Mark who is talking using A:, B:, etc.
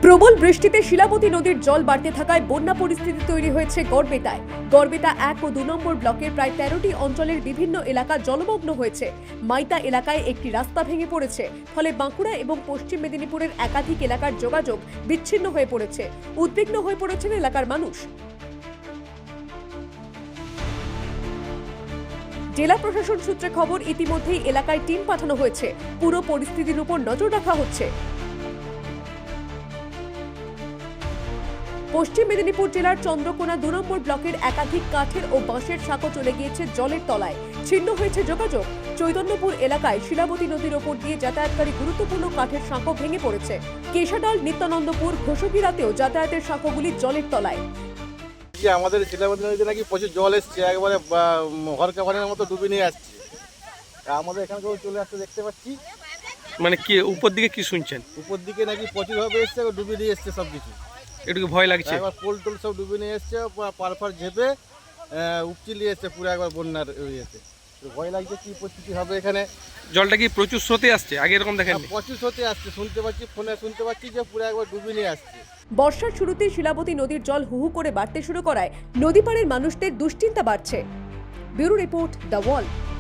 A: প্রবল বৃষ্টিতে শিলাবতী নদীর জল বাড়তে থাকায় বন্যা পরিস্থিতি তৈরি হয়েছে গড়বেতায়। গড়বেতা 1 ও 2 নম্বর ব্লকের প্রায় 13টি অঞ্চলের বিভিন্ন এলাকা জলমগ্ন হয়েছে। মাইতা এলাকায় একটি রাস্তা ভেঙে পড়েছে, ফলে বাঁকুড়া এবং পশ্চিম মেদিনীপুরের একাধিক এলাকার যোগাযোগ বিচ্ছিন্ন হয়ে পড়েছে। উদ্বিগ্ন হয়ে পড়েছেন এলাকার মানুষ। জেলা প্রশাসন সূত্রে খবর, ইতিমধ্যেই এলাকায় টিম পাঠানো হয়েছে। পুরো পরিস্থিতির উপর নজর রাখা হচ্ছে। পশ্চিম মেদিনীপুর জেলার চন্দ্রকোনা 2 নম্বর ব্লকের একাধিক কাঠের ও বাঁশের সাঁকো চলে গিয়েছে জলের তলায়। ছিন্ন হয়েছে যোগাযোগ। চৈতন্যপুর এলাকায় শিলাবতী নদীর ওপর দিয়ে যাতায়াতকারী গুরুত্বপূর্ণ কাঠের সাঁকো ভেঙে পড়েছে। কেশাডাল, নিত্যানন্দপুর, ঘোষকিরাতেও যাতায়াতের সাঁকোগুলি জলের তলায়।
B: আমাদের শিলাবতী নদীতে নাকি প্রচুর জল এসছে, একবারে হরকা পানির মতো ডুবে নিয়ে আসছে। আমাদের এখানকেও চলে আসতে দেখতে পাচ্ছি।
C: মানে কি উপর দিকে কি শুনছেন?
B: উপর দিকে নাকি প্রচুর ভাবে এসছে, ডুবে নিয়ে এসছে সব কিছু।
C: একটু ভয় লাগছে?
B: একবার পোল টোল সব ডুবে নিয়ে এসছে, পারফার ঝেপে উপচি নিয়ে এসছে পুরো একবার বন্যার ইয়েতে। ভয় লাগছে কি পরিস্থিতি হবে এখানে।
C: জলটা কি প্রচুর স্রোতে আসছে? আগে এরকম দেখেন?
B: প্রচুর স্রোতে আসছে, শুনতে পাচ্ছি, ফোনে শুনতে পাচ্ছি যে পুরো একবার ডুবে নিয়ে আসছে।
A: বর্ষার শুরুতে শিলাবতী নদীর জল হুহু করে বাড়তে শুরু করায় নদী পাড়ের মানুষদের দুশ্চিন্তা বাড়ছে। Bureau report, the wall.